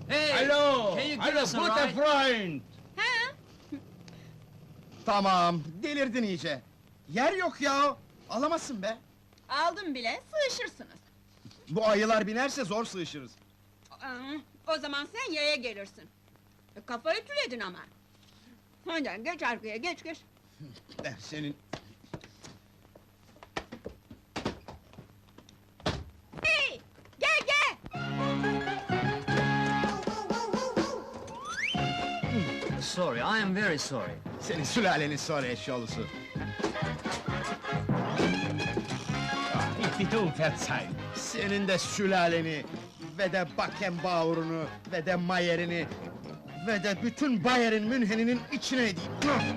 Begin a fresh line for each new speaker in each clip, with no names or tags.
Hey!
Hallo!
Can you give
Hallo,
us a
gute
ride?
Freund!
Ha?
Tamam, delirdin iyice. Yer yok ya, alamazsın be.
Aldım bile, sığışırsınız.
Bu ayılar binerse zor sığışırız.
O zaman sen yaya gelirsin. Kafayı tüledin ama. Hadi geç arkaya, geç.
Senin...
Hey! Gel!
Sorry, I am very sorry.
Senin sülalenin sonra eşyolusu.
Ich bitte um Verzeihung.
Senin de sülaleni, ve de Beckenbauer'unu, ve de Mayer'ini, ve de bütün Bayer'in Münhen'inin içine edeyim.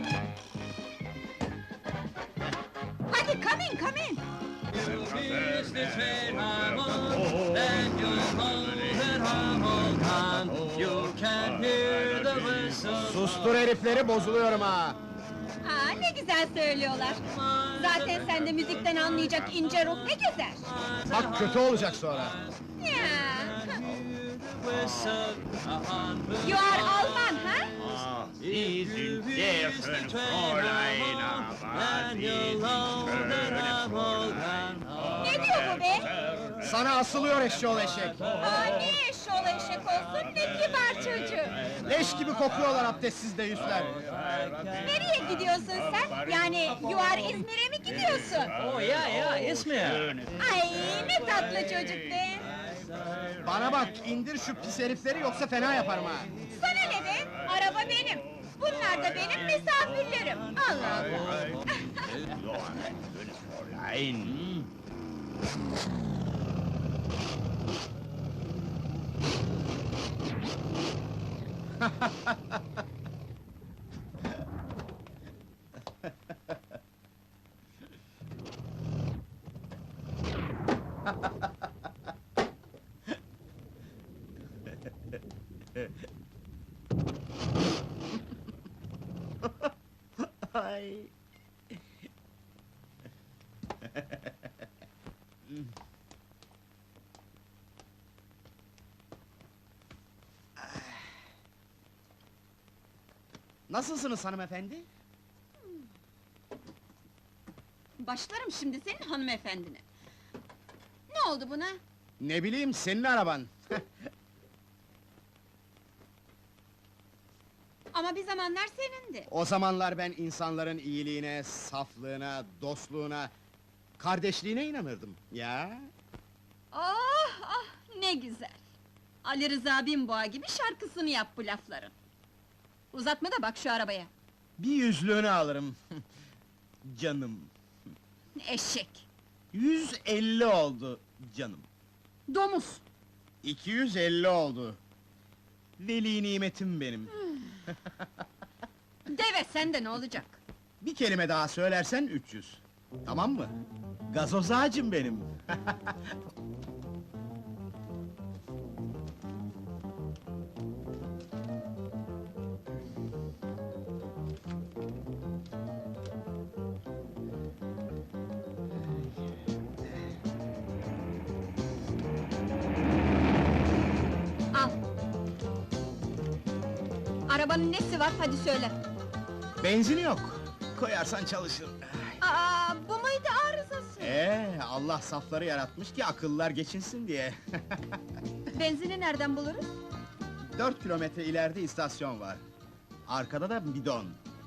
Hadi come in!
It's the train I'm on, then you'll know that I'm all gone. You can hear the whistle.
Sustur herifleri, bozuluyorum ha!
Aa, ne güzel söylüyorlar. Zaten sende müzikten anlayacak ince ruh ne gezer.
Bak kötü olacak sonra.
Ya.
Whistle,
You are Alman, ha?
Sie sind sehr schön, Fräulein, aber Sie sind schöne Fräulein.
Ne diyor bu be?
Sana asılıyor eşyol eşek!
Aa, ne eşşoğlu eşek olsun, ne kibar çocuk.
Leş gibi kokuyorlar abdestsiz de yüzler!
Nereye gidiyorsun sen? Yani you are İzmir'e mi gidiyorsun?
Oh yeah, İzmir.
Ay, ne tatlı çocuk be!
Bana bak, indir şu pis herifleri yoksa fena yaparım ha!
Sana ne be? Araba benim. Bunlar da benim misafirlerim. Allah Allah!
So ein schönes Fräulein.
Ay! Nasılsınız hanımefendi?
Başlarım şimdi senin hanımefendine. Ne oldu buna?
Ne bileyim, senin araban!
Ama bir zamanlar senindi.
O zamanlar ben insanların iyiliğine, saflığına, dostluğuna, kardeşliğine inanırdım. Ya!
Ah, ne güzel! Ali Rıza Binboğa gibi şarkısını yap bu lafların. Uzatma da bak şu arabaya.
Bir yüzlüğünü alırım. Canım!
Eşek!
150 oldu canım.
Domuz!
250 oldu. Veli nimetim benim.
Deve sende ne olacak?
Bir kelime daha söylersen 300. Tamam mı? Gazoz ağacım benim.
Al! Arabanın nesi var, hadi söyle!
Benzini yok. Koyarsan çalışır.
Aa, bu muydu arızası?
Allah safları yaratmış ki akıllılar geçinsin diye.
Benzini nereden buluruz?
4 kilometre ileride istasyon var. Arkada da bidon.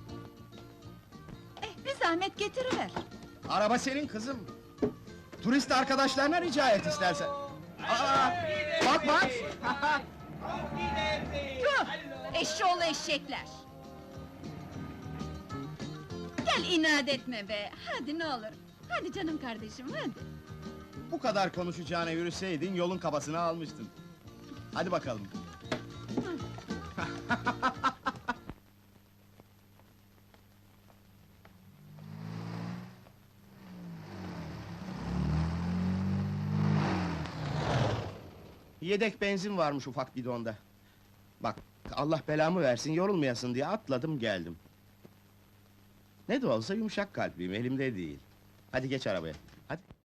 Bir zahmet getiriver!
Araba senin kızım. Turist arkadaşlarına rica et istersen. Aa, bak!
Tüh! Eşşoğlu eşekler! Gel inat etme be, hadi ne olur! Hadi canım kardeşim, hadi!
Bu kadar konuşacağına yürüseydin yolun kabasını almıştın. Hadi bakalım. Yedek benzin varmış ufak bidonda. Bak, Allah belamı versin, yorulmayasın diye atladım geldim. Ne de olsa yumuşak kalpliyim, elimde değil. Hadi geç arabaya, hadi.